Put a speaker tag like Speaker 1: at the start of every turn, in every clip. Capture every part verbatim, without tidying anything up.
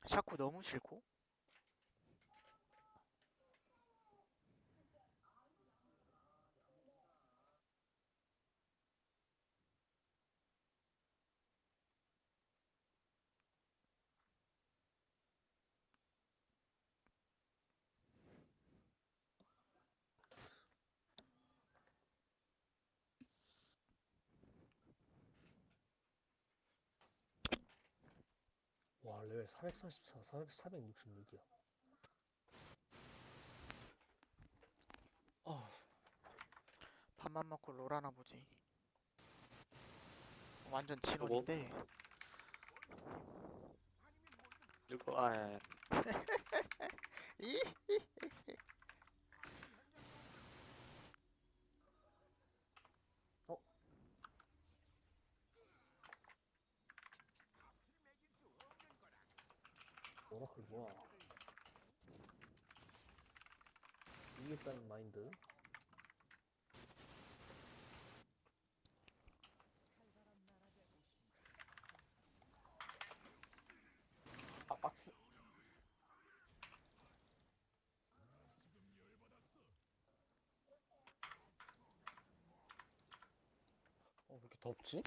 Speaker 1: 샤코 너무 싫고.
Speaker 2: 와 레벨 사백사십사, 사백, 사백육십육이야. 아,
Speaker 1: 밥만 먹고 롤하나 보지. 완전
Speaker 3: 누구?
Speaker 1: 진혼인데.
Speaker 3: 누구? 아, 예, 예.
Speaker 1: 이?
Speaker 2: 어? 오라클 좋아. 이겼다는 마인드. 아 박스. 어, 왜 이렇게 덥지?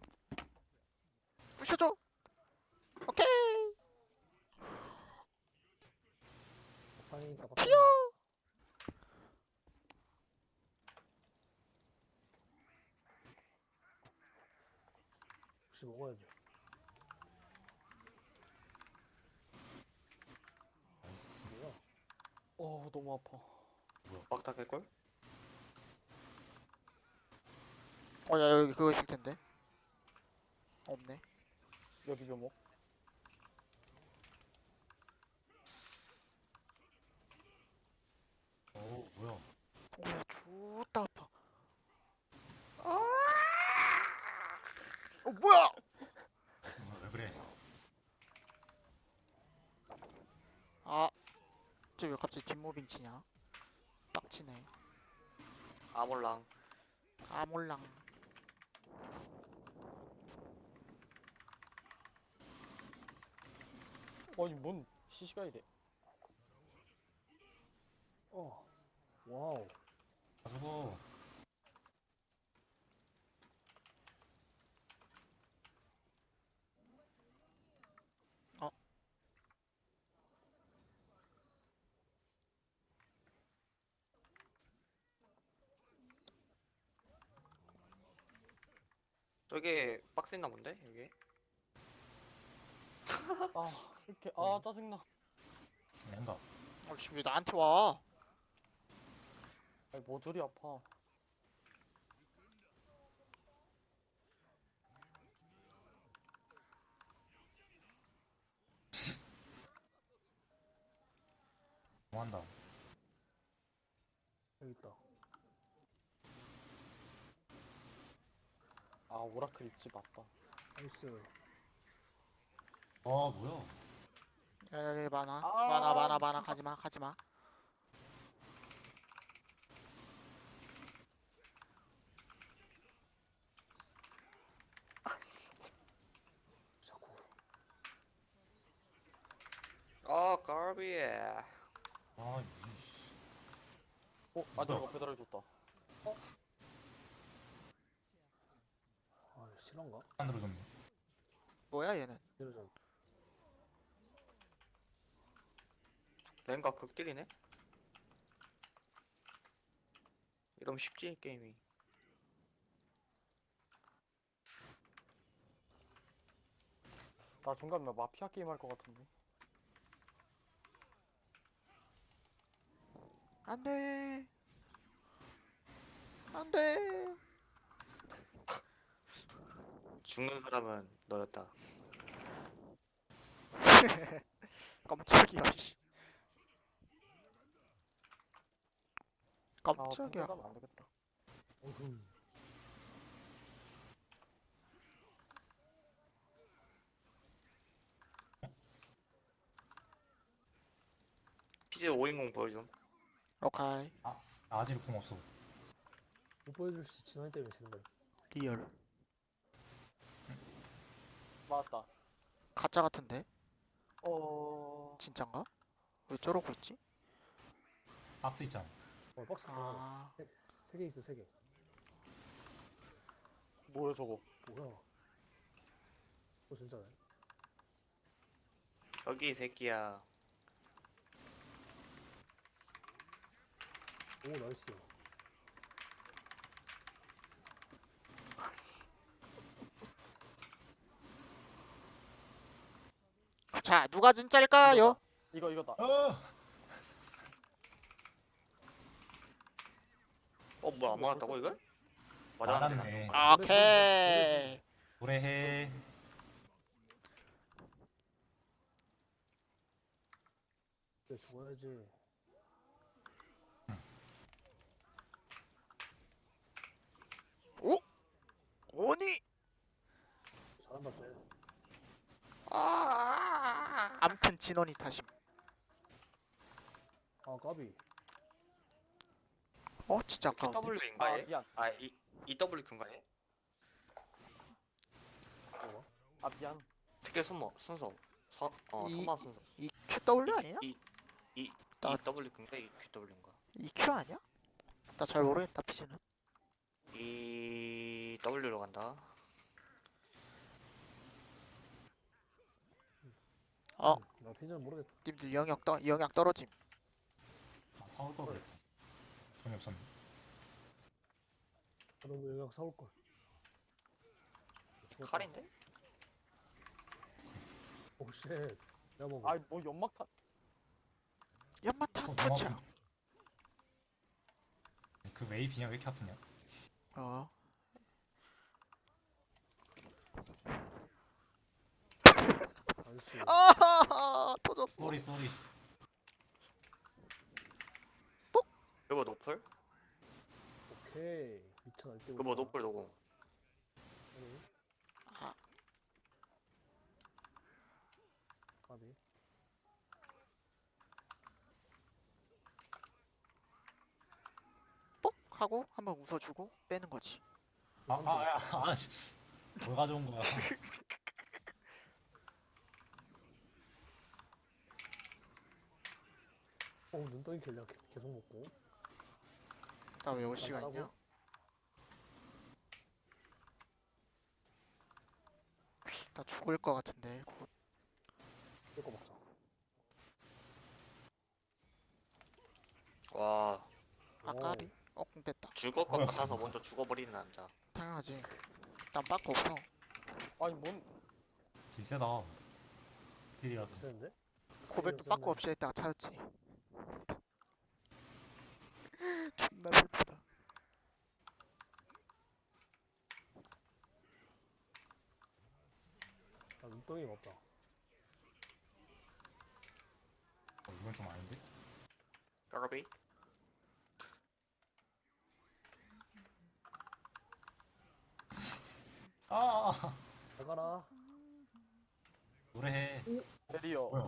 Speaker 1: 부셔줘. 오케이.
Speaker 2: 파이니까
Speaker 1: 튀어.
Speaker 2: 빡센다. 혹시 먹어야지.
Speaker 4: 나이스.
Speaker 2: 뭐야? 어 너무 아파.
Speaker 4: 뭐야?
Speaker 3: 빡닥일걸?
Speaker 1: 어, 야, 여기 그거 있을 텐데. 없네.
Speaker 2: 여기 좀 먹.
Speaker 4: 어 뭐야?
Speaker 1: 오, 야, 좋다 아파. 아! 어, 뭐야?
Speaker 4: 어, 왜 그래?
Speaker 1: 아, 저 왜 갑자기 뒷무빙 치냐? 빡치네.
Speaker 3: 아몰랑.
Speaker 1: 아, 몰랑.
Speaker 2: 아니 뭔 시시가 이래. 어. 와우.
Speaker 4: 아 저거
Speaker 1: 어,
Speaker 3: 저게 박스 있나 본데? 여기?
Speaker 2: 아 이렇게 아 짜증나.
Speaker 4: 랭가.
Speaker 1: 어, 씨, 왜 나한테 와?
Speaker 2: 아니 뭐 둘이 아파.
Speaker 4: 뭐한다.
Speaker 2: 여기 있다. 아 오라클 있지 맞다. 나이스.
Speaker 4: 아 뭐야?
Speaker 1: 야, 여기 많아.
Speaker 2: 아,
Speaker 1: 많아, 많아, 많아.
Speaker 2: 미친
Speaker 1: 가지마,
Speaker 2: 박스.
Speaker 1: 가지마.
Speaker 2: 자꾸.
Speaker 3: 아, 까비.
Speaker 4: 아 이씨.
Speaker 2: 어 아들가 배달해줬다. 어? 아 실화인가?
Speaker 4: 안 들어줬네.
Speaker 1: 뭐야, 얘는?
Speaker 2: 이러잖아.
Speaker 3: 랭가 극딜이네? 이러면 쉽지, 게임이.
Speaker 2: 나 중간에 마피아 게임 할 것 같은데.
Speaker 1: 안 돼. 안 돼.
Speaker 3: 죽는 사람은 너였다.
Speaker 1: 깜짝이야, 씨.
Speaker 2: 아
Speaker 1: 깜짝이야.
Speaker 2: 평가 가면 안 되겠다. 어흠.
Speaker 3: 피제 오인공 보여줌.
Speaker 1: 오케이.
Speaker 4: 아 아직 궁 없어.
Speaker 2: 못 보여줄 수 진원이 때문에 지는 거야.
Speaker 1: 리얼.
Speaker 2: 맞다.
Speaker 1: 가짜 같은데?
Speaker 2: 어.
Speaker 1: 진짠가? 왜 저러고 있지?
Speaker 4: 박스 있잖아.
Speaker 5: 어 박스 하나
Speaker 1: 아
Speaker 5: 세 개 있어 세 개.
Speaker 2: 뭐야 저거?
Speaker 5: 뭐야? 어 진짜네.
Speaker 3: 여기 이 새끼야.
Speaker 5: 오 나이스.
Speaker 1: 자 누가 진짜일까요?
Speaker 2: 이거 이거다.
Speaker 4: 어!
Speaker 3: 어 뭐야 안 맞았다고 이걸?
Speaker 4: 맞았네.
Speaker 1: 오케이.
Speaker 4: 노래해.
Speaker 5: 그래 죽어야지.
Speaker 1: 오니.
Speaker 5: 잘한다 쟤.
Speaker 1: 아 암튼 진원이 탓임.
Speaker 5: 아 까비.
Speaker 1: 어 진짜 아까운데.
Speaker 3: Q인가
Speaker 2: 아
Speaker 3: 얘?
Speaker 2: 미안.
Speaker 3: 아 이, 이더블유인가 얘?
Speaker 5: 뭐가?
Speaker 2: 아 미안.
Speaker 3: 특별 순서 순서 서, 어
Speaker 1: 이-
Speaker 3: 선마 순서
Speaker 1: 이 큐더블유 아니야?
Speaker 3: 이, 이,
Speaker 1: 나-
Speaker 3: 이더블유인가 이큐더블유인가
Speaker 1: 이 큐 아니야? 나 잘 모르겠다 피지는.
Speaker 3: 이 W로 간다.
Speaker 1: 어.
Speaker 5: 나 피자는 모르겠다.
Speaker 1: 님들 영역 떠 영역 떨어짐.
Speaker 4: 아, 사올 걸 그랬다. 돈이 없었네.
Speaker 5: 나도 뭐 영양 사올 걸.
Speaker 3: 칼인데?
Speaker 5: 오 쉣. 야 뭐.
Speaker 2: 아뭐 연막탄.
Speaker 1: 연마탄
Speaker 4: 어,
Speaker 1: 투척.
Speaker 4: 너무 그 웨이비냐 왜 이렇게 아프냐?
Speaker 1: 어.
Speaker 5: 나이스.
Speaker 1: 아 터졌어.
Speaker 4: 쏘리 쏘리.
Speaker 3: 그거 노플?
Speaker 5: 오케이. 미쳐 날 때.
Speaker 3: 그거 노플 노공.
Speaker 1: 아.
Speaker 5: 까비.
Speaker 1: 뽁 하고 한번 웃어주고 빼는 거지.
Speaker 4: 아, 아, 야, 아, 뭘 가져온 거야?
Speaker 5: 어 눈덩이 킬량 계속 먹고.
Speaker 1: 나 왜 올 시간
Speaker 5: 나가라고?
Speaker 1: 있냐? 나 죽을 것 같은데 곧.
Speaker 5: 이거 먹자.
Speaker 3: 와
Speaker 1: 아까비. 어, 공 됐다.
Speaker 3: 죽을 것 같아서 먼저 죽어버리는 남자.
Speaker 1: 당연하지. 난 빠꾸 없어.
Speaker 2: 아니 뭔
Speaker 4: 딜 세다. 딜이라서.
Speaker 5: 비싼데?
Speaker 1: 고백도
Speaker 5: 썼네.
Speaker 1: 빠꾸 없이 했다가 차였지. 존나 슬프다.
Speaker 5: 아 눈덩이가 없다.
Speaker 4: 어, 이건 좀 아닌데?
Speaker 3: 까비?
Speaker 4: 아, 아, 아.
Speaker 5: 나가라.
Speaker 4: 노래해.
Speaker 2: 베리어.
Speaker 4: 뭐야?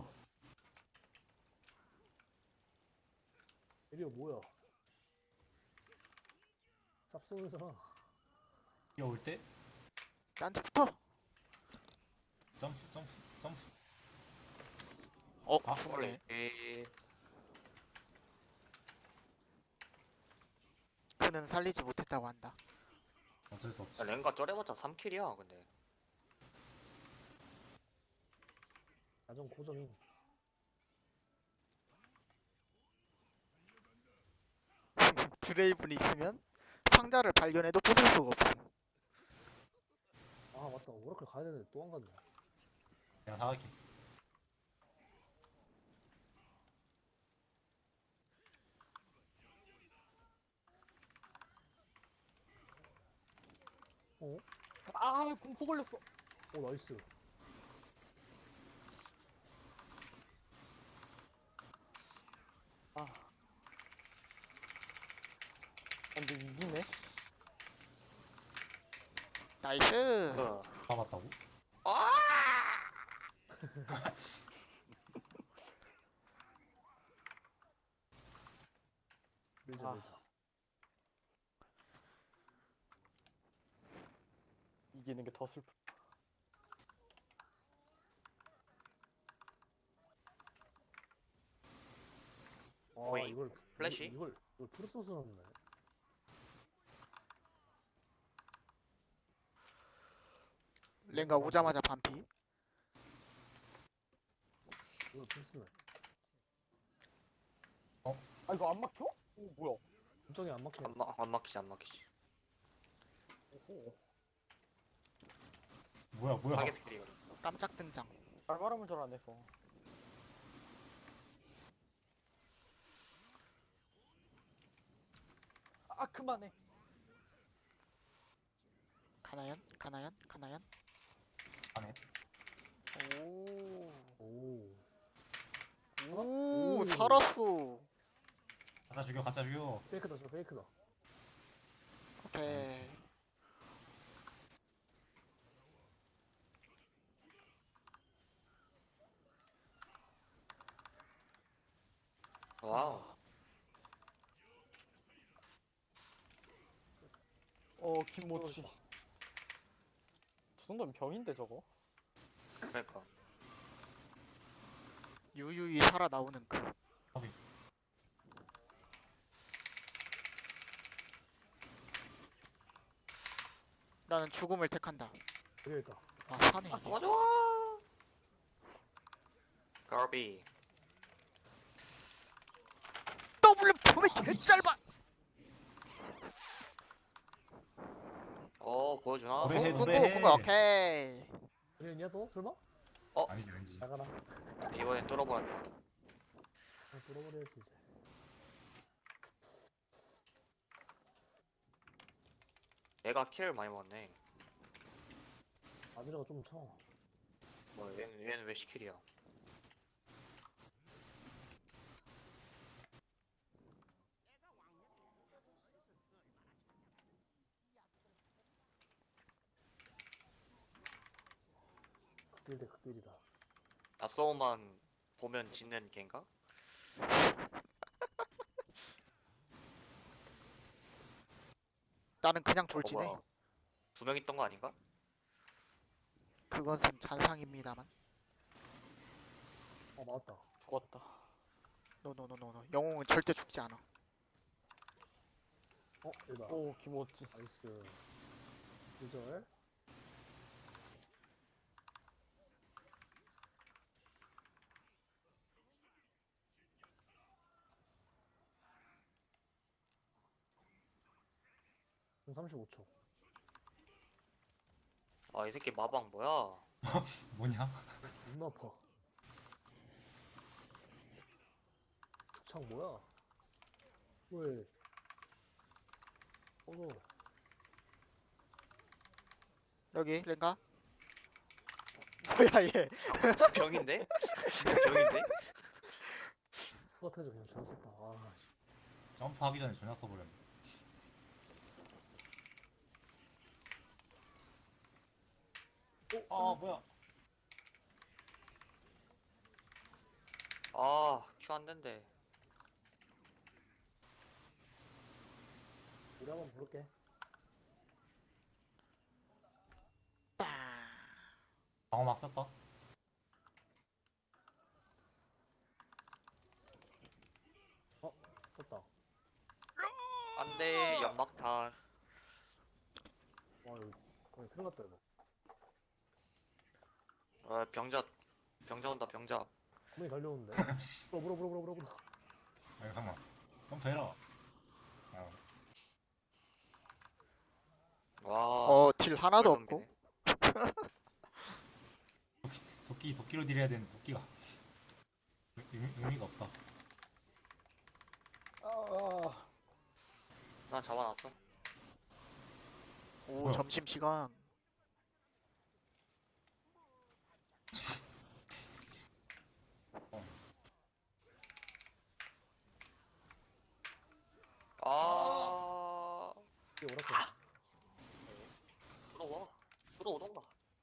Speaker 5: 이리오 뭐야? 쌉소면서.
Speaker 4: 뛰어올 때
Speaker 1: 나한테 붙어.
Speaker 4: 점프 점프 점프.
Speaker 1: 어,
Speaker 4: 아,
Speaker 1: 죽을래.
Speaker 3: 에
Speaker 1: 그는 살리지 못했다고 한다.
Speaker 4: 어쩔 수 없지.
Speaker 3: 랭가 쩔해봤자 삼 킬이야 근데.
Speaker 5: 나좀 고정이.
Speaker 1: 드레이븐이 있으면 상자를 발견해도 부술 수가 없음.
Speaker 5: 아 맞다. 오라클 가야 되는데 또 안 갔네.
Speaker 4: 내가 사갈게.
Speaker 5: 어?
Speaker 2: 아 공포 걸렸어.
Speaker 5: 오 나이스.
Speaker 2: 아. 근데 이기네.
Speaker 1: 나이스.
Speaker 3: 어.
Speaker 4: 가봤다고?
Speaker 5: 밀자
Speaker 2: 아.
Speaker 5: 밀자.
Speaker 2: 이기는 게 더 슬프.
Speaker 3: 오잉.
Speaker 5: 이걸
Speaker 3: 플래시?
Speaker 5: 이걸 이걸 프로소스 넣네.
Speaker 1: 랭가 오자마자 반피.
Speaker 5: 이걸 풀스네.
Speaker 2: 아 이거 안 막혀? 오 뭐야?
Speaker 5: 엄청이 안 막혀.
Speaker 3: 안, 마, 안 막히지 안 막히지.
Speaker 2: 오호.
Speaker 4: 뭐야 뭐야.
Speaker 3: 사계 스킬이거든.
Speaker 1: 깜짝 등장.
Speaker 2: 발바람을 잘 안 했어. 아 그만해.
Speaker 1: 가나연? 가나연? 가나연?
Speaker 4: 안에.
Speaker 1: 오.
Speaker 5: 오.
Speaker 1: 오,
Speaker 5: 오.
Speaker 1: 살았어.
Speaker 4: 가짜 죽여 가짜 죽여.
Speaker 5: 페이크다 저 페이크다.
Speaker 1: 오케이.
Speaker 4: 나이스.
Speaker 3: 와우.
Speaker 2: 어 김모치. 저 정도면 병인데 저거?
Speaker 3: 그러니까.
Speaker 1: 유유히 살아나오는 그.
Speaker 4: 확인.
Speaker 1: 나는 죽음을 택한다.
Speaker 5: 여기 있다.
Speaker 1: 아, 사네 이게.
Speaker 3: 맞아. 가비.
Speaker 1: 더블 폼이 개 짧아.
Speaker 3: 어 보여주나?
Speaker 4: 노래해,
Speaker 1: 궁금
Speaker 4: 노래해.
Speaker 1: 궁금 오케이.
Speaker 5: 그랬냐 너 설마?
Speaker 4: 아니지 아니지.
Speaker 5: 나가라.
Speaker 3: 이번엔 뚫어버렸다.
Speaker 5: 아, 뚫어버려야지 이제.
Speaker 3: 얘가 킬을 많이 먹었네.
Speaker 5: 아드라가 좀 쳐.
Speaker 3: 뭐 얘는 얘는 왜 시킬이야?
Speaker 5: 극딜 대 극딜이다.
Speaker 3: 야쏘만 보면 짓는 겐가?
Speaker 1: 나는 그냥
Speaker 3: 어,
Speaker 1: 돌진해.
Speaker 3: 뭐야. 두 명 있던 거 아닌가?
Speaker 1: 그것은 잔상입니다만.
Speaker 5: 어 맞았다.
Speaker 2: 죽었다.
Speaker 1: 노노노노노. 영웅은 절대 죽지 않아.
Speaker 5: 어 여기다.
Speaker 2: 오 김모치.
Speaker 5: 나이스. 기절. 삼십오 초.
Speaker 3: 아 이 새끼 마방 뭐야?
Speaker 4: 뭐냐?
Speaker 5: 존나 아파. 축창 뭐야? 왜? 어서.
Speaker 1: 여기 랭가. 뭐야 얘.
Speaker 3: 병인데? 진짜 병인데?
Speaker 5: 똑같아져 그냥 잘 썼다. 아, 씨.
Speaker 4: 점프하기 전에 존나 써버렸네. 아 뭐야?
Speaker 3: 아큐 안 된대.
Speaker 5: 우리 한번 부를게.
Speaker 1: 빵.
Speaker 4: 방어 막 썼다.
Speaker 5: 썼다.
Speaker 3: 안돼 연막탄.
Speaker 5: 와 이거 거의 큰일 났다 이거.
Speaker 3: 아 병자 병자 온다 병자.
Speaker 5: 구멍이 달려오는데. 물어 물어 물어 물어 물어 물어.
Speaker 4: 아 잠깐만. 점프해라. 아,
Speaker 3: 와.
Speaker 1: 어, 딜 하나도
Speaker 3: 꿀
Speaker 1: 없고.
Speaker 3: 덤비네.
Speaker 4: 도끼 도끼로 딜해야 되는 도끼가 의미, 의미가 없다.
Speaker 2: 아.
Speaker 3: 난 잡아놨어.
Speaker 1: 오,
Speaker 4: 뭐야?
Speaker 1: 점심 시간.
Speaker 3: 아.
Speaker 5: 이게 오라클.
Speaker 3: 들어와. 들어오던가.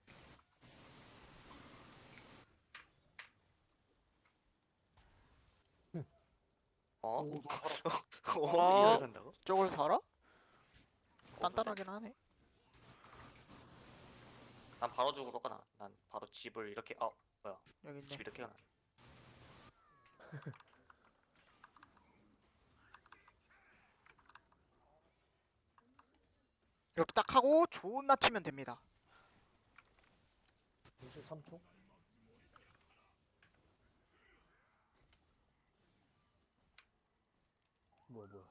Speaker 3: 어?
Speaker 2: 오, 저 살았다.
Speaker 3: 어?
Speaker 1: 와.
Speaker 3: 이걸 산다고?
Speaker 1: 저걸 살아? 단단하긴 하네.
Speaker 3: 난 바로 죽으러 가나. 난 바로 집을 이렇게 아
Speaker 1: 여기 있네.
Speaker 3: 집 이렇게 가나.
Speaker 1: 이렇게 딱 하고 존나 튀면 됩니다.
Speaker 5: 육십삼 초? 뭐야 뭐야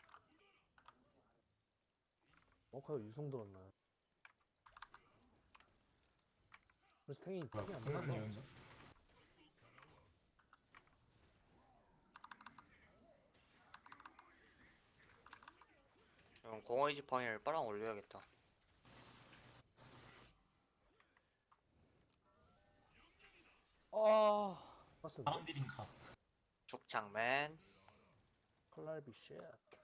Speaker 5: 워커가 유성 들었나? 그래서 탱이
Speaker 4: 뭐야
Speaker 5: 탱이 안
Speaker 4: 끝났네
Speaker 5: 나간다.
Speaker 4: 여기서.
Speaker 3: 그럼 공허의 지팡이를 빨랑 올려야겠다.
Speaker 2: 아
Speaker 5: 봤었는데?
Speaker 4: 사람들인가.
Speaker 3: 죽창맨.
Speaker 5: 칼날비 쉣.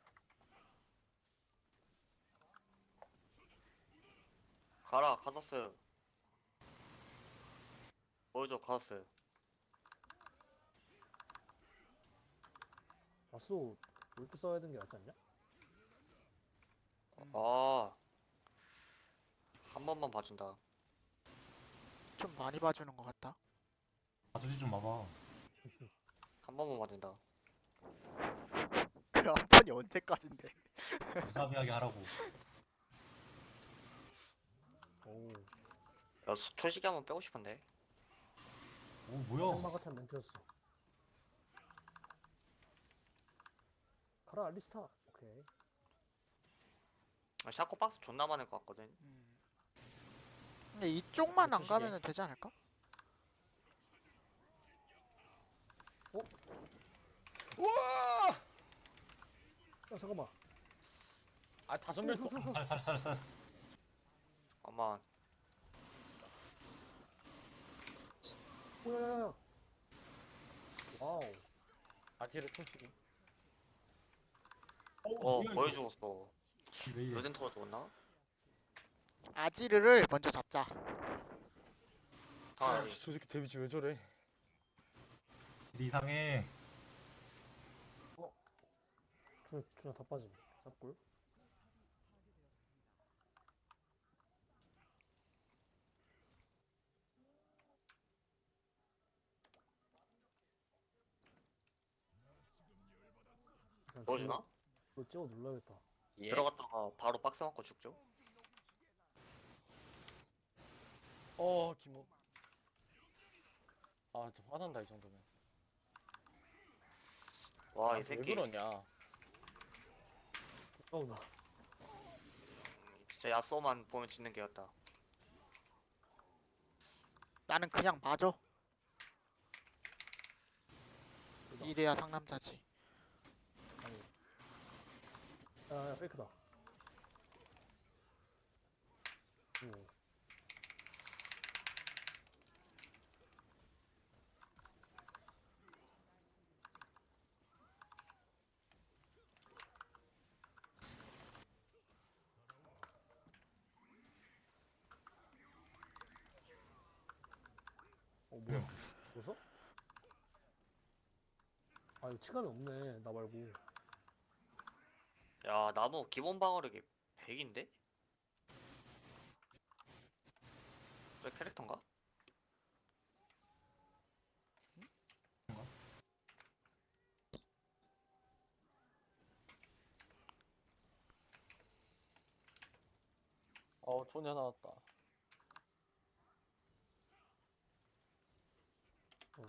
Speaker 3: 가라 카서스. 보여줘 카서스.
Speaker 5: 라쏘 올 때 써야 되는 게 낫지 않냐?
Speaker 3: 아. 한 번만 봐준다.
Speaker 1: 좀 많이 봐주는 것 같다.
Speaker 4: 아저씨 좀 봐봐.
Speaker 3: 한 번만 봐준다.
Speaker 1: 그 한 번이 언제까지인데?
Speaker 4: 무사비하게 하라고.
Speaker 5: 오
Speaker 3: 야 수- 초식이 한번 빼고 싶은데.
Speaker 4: 오
Speaker 5: 엄마
Speaker 4: 뭐야.
Speaker 5: 같은 멘트였어. 가라 알리스타. 오케이.
Speaker 3: 아, 샤코 박스 존나 많을 것 같거든.
Speaker 1: 음. 근데 이쪽만 안
Speaker 2: 초식에.
Speaker 1: 가면은 되지 않을까?
Speaker 2: 우와
Speaker 5: 야 잠깐만.
Speaker 2: 아다 전멸했어.
Speaker 4: 살살살살.
Speaker 3: 아마
Speaker 5: 오야야야. 와우.
Speaker 2: 아지르 초식이.
Speaker 3: 어
Speaker 4: 뭐야,
Speaker 3: 거의
Speaker 4: 이거.
Speaker 3: 죽었어.
Speaker 4: 왜 이래.
Speaker 3: 로덴터가 죽었나?
Speaker 1: 아지르를 먼저 잡자.
Speaker 2: 아,
Speaker 3: 당연히.
Speaker 2: 저 새끼 데미지 왜 저래?
Speaker 4: 일 이상해.
Speaker 5: 준아 준아 다 빠짐. 쌉골.
Speaker 3: 넣어주나?
Speaker 5: 이거 찍어 눌러야겠다.
Speaker 2: 예.
Speaker 3: 들어갔다가 바로 박스 맞고 죽죠.
Speaker 2: 어 기모. 아저 화난다 이 정도면.
Speaker 3: 와 이
Speaker 2: 나한테
Speaker 3: 새끼
Speaker 2: 왜 그러냐?
Speaker 5: 어우나.
Speaker 3: 진짜 야쏘만 보면 짓는 개였다.
Speaker 1: 나는 그냥 맞아. 이래야 상남자지.
Speaker 5: 아니. 야야 페이크다. 오. 어 뭐야? 벌써? 아 이거 치감이 없네 나 말고.
Speaker 3: 야 나무 기본 방어력이 백인데? 저 캐릭터인가?
Speaker 2: 어 존야 나왔다.
Speaker 5: 어.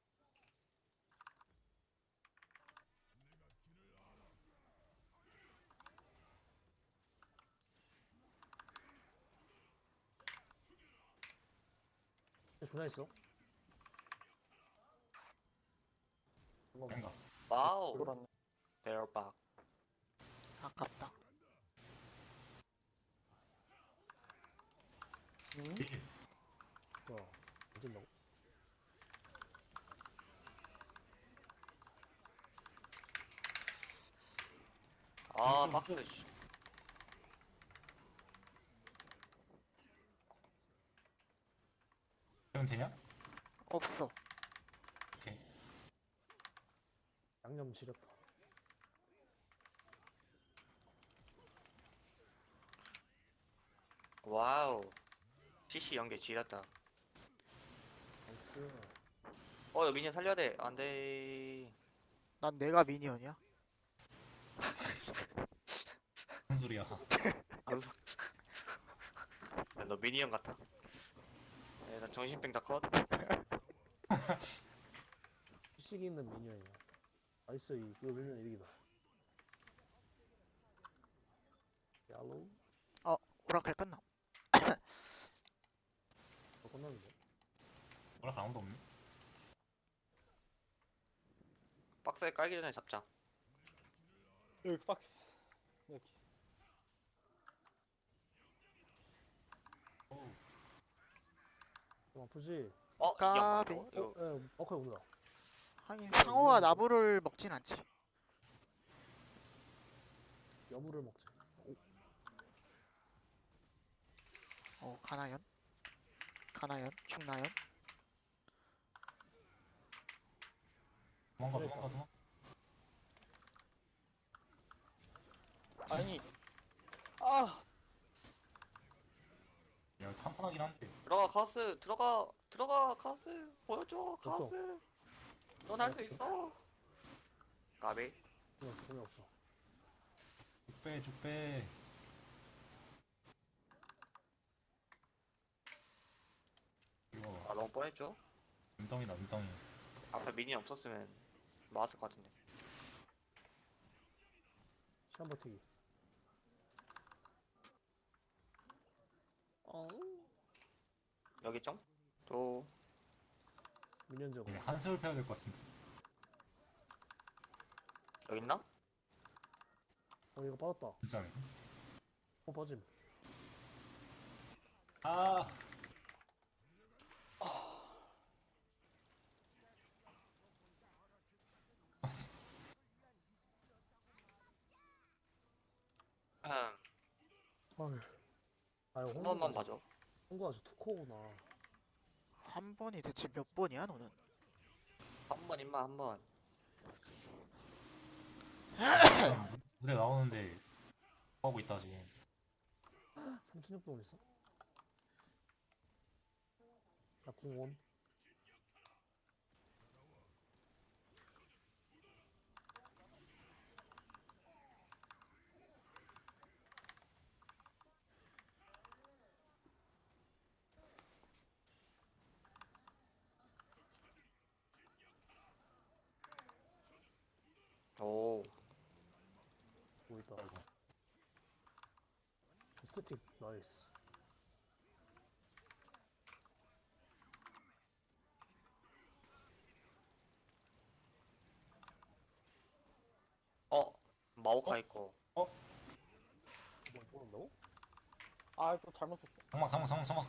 Speaker 5: 준아 있어?
Speaker 4: 뭔가.
Speaker 3: 와우
Speaker 2: 돌았네.
Speaker 3: 대박.
Speaker 1: 아깝다.
Speaker 2: 응?
Speaker 4: 이게
Speaker 5: 뭐야? 안 된다고?
Speaker 3: 아 박스 씨.
Speaker 4: 되면 되냐?
Speaker 1: 없어.
Speaker 4: 오케이.
Speaker 5: 양념 지렸다.
Speaker 3: 와우 씨씨 연계 지렸다.
Speaker 5: 나이스.
Speaker 3: 어 이거 미니언 살려야 돼. 안돼.
Speaker 1: 난 내가 미니언이야.
Speaker 4: 무슨 소리야.
Speaker 3: 안 속- 너 미니언 같아. 일단 정신병 다 컷.
Speaker 5: 시기 있는 미니언이야. 나이스, 이- 이거 밀면 이기다. 야로?
Speaker 1: 오라클 끝나.
Speaker 5: 어, 끝났는데.
Speaker 4: 뭐라 아무도 없네.
Speaker 3: 박스에 깔기 전에 잡자.
Speaker 2: 여기 박스. 여기.
Speaker 4: 오,
Speaker 5: 좀 아프지?
Speaker 3: 어? 이
Speaker 1: 까비.
Speaker 3: 양반 이거
Speaker 5: 어, 예, 어커 온다.
Speaker 1: 하긴 상어가 나무를 먹진 않지.
Speaker 5: 여물을 먹자.
Speaker 1: 어 가나연? 가나연? 죽나연?
Speaker 4: 도망가
Speaker 5: 그러니까.
Speaker 4: 도망가 도망가.
Speaker 2: 아니. 아.
Speaker 4: 야 탄탄하긴 한데.
Speaker 3: 들어가 카스 들어가 들어가 카스 보여줘
Speaker 5: 없어.
Speaker 3: 카스. 넌 할 수 있어. 까비.
Speaker 5: 돈이 없어, 돈이 없어.
Speaker 4: 쭉빼 쭉빼. 이거
Speaker 3: 아 너무 뻔했죠.
Speaker 4: 눈덩이다 눈덩이.
Speaker 3: 앞에 미니 없었으면 나왔을 것 같은데.
Speaker 5: 시간 버티기. 어?
Speaker 3: 여기 좀? 또
Speaker 5: 미니언 저거.
Speaker 4: 그냥 한세월 패야 될 것 같은데.
Speaker 3: 여기 있나?
Speaker 5: 어, 이거 빠졌다.
Speaker 4: 진짜네.
Speaker 5: 어, 빠짐.
Speaker 4: 아. 아, 진-
Speaker 3: 음,
Speaker 5: 아유. 아유,
Speaker 3: 한 번만 봐줘.
Speaker 5: 홍구 아주 투코구나.
Speaker 1: 한 번이 대체 몇 번이야 너는?
Speaker 3: 한 번 임마 한 번.
Speaker 4: 무대 나오는데 뭐 하고 있다 지금.
Speaker 5: 삼천육 동 있어? 나 공원.
Speaker 3: 오.
Speaker 5: 뭐 있다.
Speaker 4: 아이고.
Speaker 5: 스틱 나이스.
Speaker 3: 어 마오카 있고.
Speaker 5: 뭐 뽑는다고?
Speaker 2: 아, 이거 잘못 썼어.
Speaker 4: 장막 장막 장막 장막.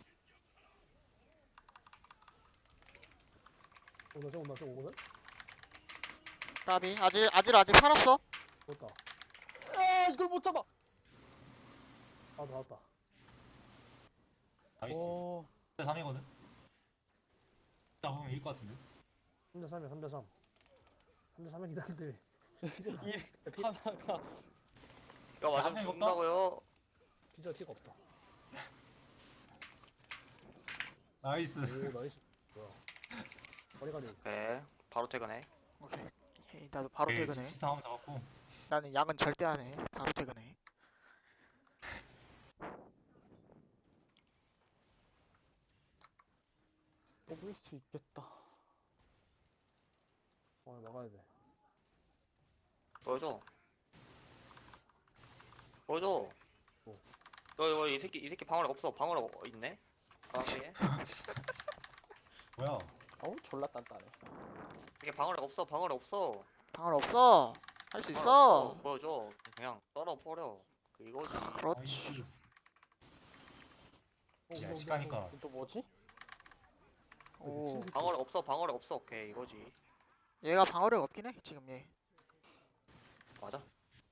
Speaker 5: 온다, 저 온다, 저 오거든?
Speaker 1: 까비. 아직 아직 아직 살았어.
Speaker 5: 됐다.
Speaker 2: 아, 이걸 못 잡아.
Speaker 5: 아, 나왔다.
Speaker 4: 나이스.
Speaker 2: 오.
Speaker 4: 대 삼이거든. 잡으면 이길 것 같은데.
Speaker 5: 삼 대 삼이야, 삼 대 삼. 삼 대 삼이긴 한데.
Speaker 2: 이 하나가
Speaker 3: 이거 맞으면
Speaker 4: 야,
Speaker 3: 죽는다고요.
Speaker 5: 피자 티가 없다.
Speaker 4: 나이스.
Speaker 5: 오, 나이스. 뭐야. 머리가리.
Speaker 3: 오케이 바로 퇴근해.
Speaker 1: 오케이. 오케이, 나도 바로
Speaker 4: 오케이,
Speaker 1: 퇴근해.
Speaker 4: 진짜 한번 잡았고.
Speaker 1: 나는 야근 절대 안 해. 바로 퇴근해.
Speaker 2: 뽑을 수 있겠다.
Speaker 5: 어, 막아야 돼.
Speaker 3: 보여줘. 보여줘.
Speaker 5: 뭐?
Speaker 3: 너 이거 이 새끼 이 새끼 방어력 없어. 방어력 어- 있네. 까비.
Speaker 4: 뭐야?
Speaker 2: 어우, 졸라 단단해.
Speaker 3: 이게 방어력 없어. 방어력 없어.
Speaker 1: 방울 없어. 할 수
Speaker 3: 방어력
Speaker 1: 있어.
Speaker 3: 없어. 보여줘. 그냥 떨어 버려. 그 이거지.
Speaker 1: 그렇지.
Speaker 4: 나이스.
Speaker 5: 어,
Speaker 4: 야,
Speaker 5: 뭐,
Speaker 4: 시가니까.
Speaker 5: 뭐,
Speaker 2: 또 뭐지?
Speaker 1: 오.
Speaker 5: 미친 새끼.
Speaker 3: 방어력 없어. 방어력 없어. 오케이 이거지.
Speaker 1: 얘가 방어력 없긴 해. 지금 얘.
Speaker 3: 맞아.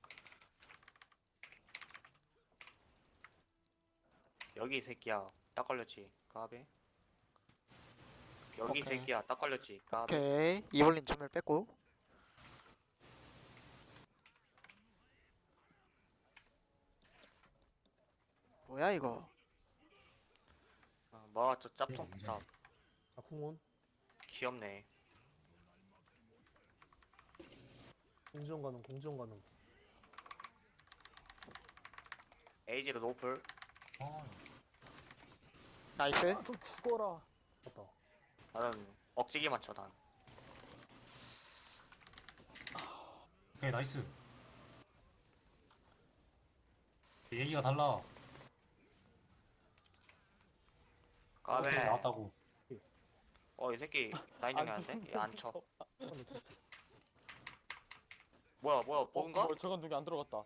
Speaker 3: 여기 이 새끼야. 딱 걸렸지. 까비. 여기 이
Speaker 1: 오케이.
Speaker 3: 새끼야. 딱 걸렸지. 까비.
Speaker 1: 오케이. 이블린 점을 뺐고. 뭐야 이거?
Speaker 3: 아, 뭐야 저 짭통.
Speaker 4: 이제.
Speaker 3: 짭.
Speaker 5: 아, 궁원.
Speaker 3: 귀엽네.
Speaker 5: 공지원 가능, 공지원 가능.
Speaker 3: 에이지로 노플.
Speaker 4: 아,
Speaker 1: 나이스.
Speaker 2: 아, 좀 죽어라.
Speaker 5: 맞다.
Speaker 3: 나는 억지기 맞춰 난.
Speaker 4: 오케이 나이스. 얘기가 달라.
Speaker 3: 까베.
Speaker 4: 오케이, 나왔다고.
Speaker 3: 어 이 새끼 라인
Speaker 2: 안
Speaker 3: 정리하는데? 얘안 쳐.
Speaker 5: 어, 네, 됐어.
Speaker 3: 뭐야 뭐야
Speaker 2: 어,
Speaker 3: 버그인가?
Speaker 2: 뭐, 저건 누구 안 들어갔다.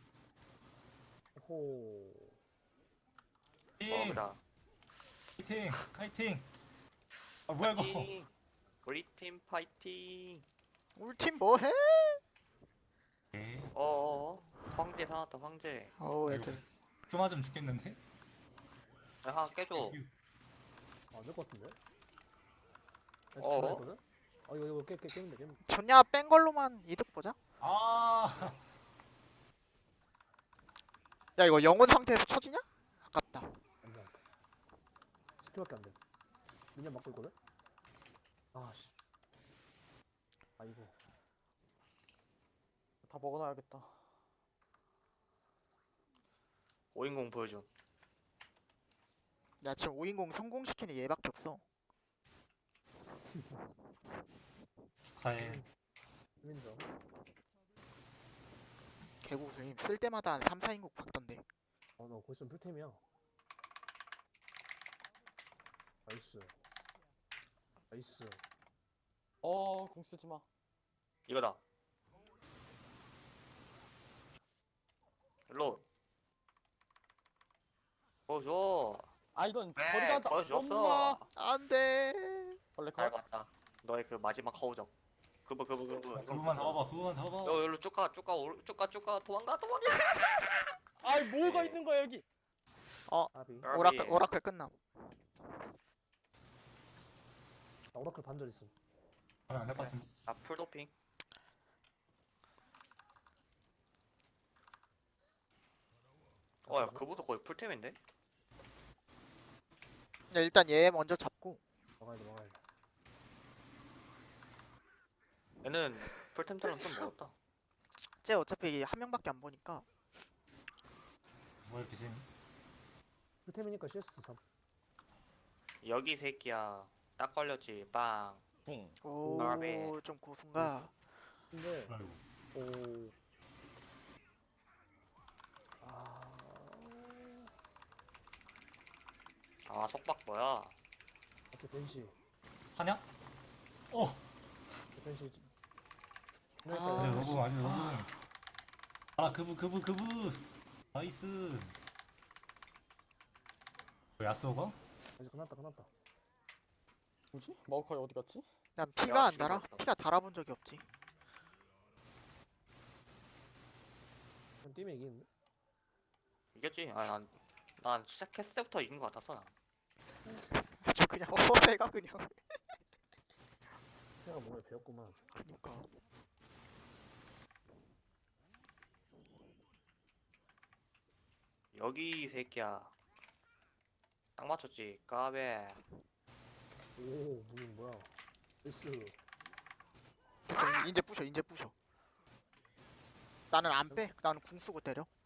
Speaker 5: 호.
Speaker 4: 파이팅.
Speaker 3: 버그다.
Speaker 4: 파이팅. 파이팅. 아 뭐야 이거.
Speaker 3: 파이팅. 우리 팀 파이팅.
Speaker 1: 우리 팀 뭐해?
Speaker 4: 오케이.
Speaker 3: 어어어. 황제 사놨다 황제.
Speaker 1: 어우 애들.
Speaker 4: 그 맞으면 죽겠는데?
Speaker 3: 야, 하나 깨줘.
Speaker 5: 안될 것 같은데? 나
Speaker 3: 어?
Speaker 5: 지금 했거든? 아 이거 이거 깨 깨 깨면 돼 깨면 돼.
Speaker 1: 전야 뺀 걸로만 이득 보자.
Speaker 4: 아.
Speaker 1: 야 이거 영혼 상태에서 쳐지냐? 아깝다.
Speaker 5: 안돼 안돼. 스킬밖에 안 돼. 미니언 막고 있거든? 아씨. 아이고.
Speaker 2: 다 먹어놔야겠다.
Speaker 3: 오인공 보여줌.
Speaker 1: 야 지금 오인공 성공시키는 얘밖에 없어.
Speaker 4: 축하해.
Speaker 5: 인정.
Speaker 1: 개고수임. 쓸 때마다 한 삼, 사인국 박던데.
Speaker 5: 아나 거기 있으면 풀템이야. 나이스. 나이스.
Speaker 2: 어, 궁 쓰지 마.
Speaker 3: 이거다. 일로. 보여줘.
Speaker 2: 아, 이건
Speaker 3: 왜?
Speaker 2: 거리가 나-
Speaker 3: 보여줬어.
Speaker 2: 엄마.
Speaker 1: 안돼.
Speaker 2: 원래
Speaker 3: 잘
Speaker 2: 가.
Speaker 3: 봤다. 너의 그 마지막 허우적. 그거 그거 그거.
Speaker 4: 그거만 잡아봐. 그거만 잡아.
Speaker 3: 너 여기로 쭉가 쭉가 쭉가 쭉가 도망가 도망가.
Speaker 2: 아이, 뭐가 있는 거야 여기?
Speaker 5: 아비.
Speaker 1: 오라클 오라클 끝남.
Speaker 5: 나 오라클 반절 있음.
Speaker 4: 하면 안될 것 같은데.
Speaker 3: 아 풀도핑. 어야 그보다 거의 풀템인데?
Speaker 1: 야, 일단 얘 먼저 잡고.
Speaker 5: 막아야 돼 막아야 돼.
Speaker 3: 얘는 풀템처럼 좀 먹었다.
Speaker 1: 쟤 어차피 한 명밖에 안 보니까.
Speaker 4: 누가 이렇게 심?
Speaker 5: 풀템이니까 씨에스 삼.
Speaker 3: 여기 새끼야. 딱 걸렸지. 빵.
Speaker 2: 궁.
Speaker 3: 나비.
Speaker 1: 오, 좀 고순가.
Speaker 5: 근데
Speaker 4: 아이고.
Speaker 5: 오. 아.
Speaker 3: 아 속박 뭐야?
Speaker 5: 어째 벤시.
Speaker 4: 하냐? 어.
Speaker 5: 벤시.
Speaker 1: 아.
Speaker 4: 아직 너무 아직 너무. 아 그부 그부 그부. 나이스. 뭐 야스오가?
Speaker 5: 아직 끝났다 끝났다.
Speaker 2: 뭐지? 마우카이 어디 갔지?
Speaker 1: 난 피가 안
Speaker 3: 지금
Speaker 1: 달아.
Speaker 3: 봤어.
Speaker 1: 피가 달아본 적이 없지.
Speaker 5: 그냥 뛰면 이기는데?
Speaker 3: 이겼지? 아난 난 시작했을 때부터 이긴 것 같았어 나.
Speaker 1: 아주 그냥 허세가 그냥.
Speaker 5: 생각 뭔가 배웠구만.
Speaker 1: 그니까.
Speaker 3: 여기 이 새끼야. 딱 맞췄지. 까베.
Speaker 5: 오 무슨 뭐야? 에스.
Speaker 1: 이제 부셔 이제 부셔. 나는 안 빼. 나는 궁 쓰고 때려.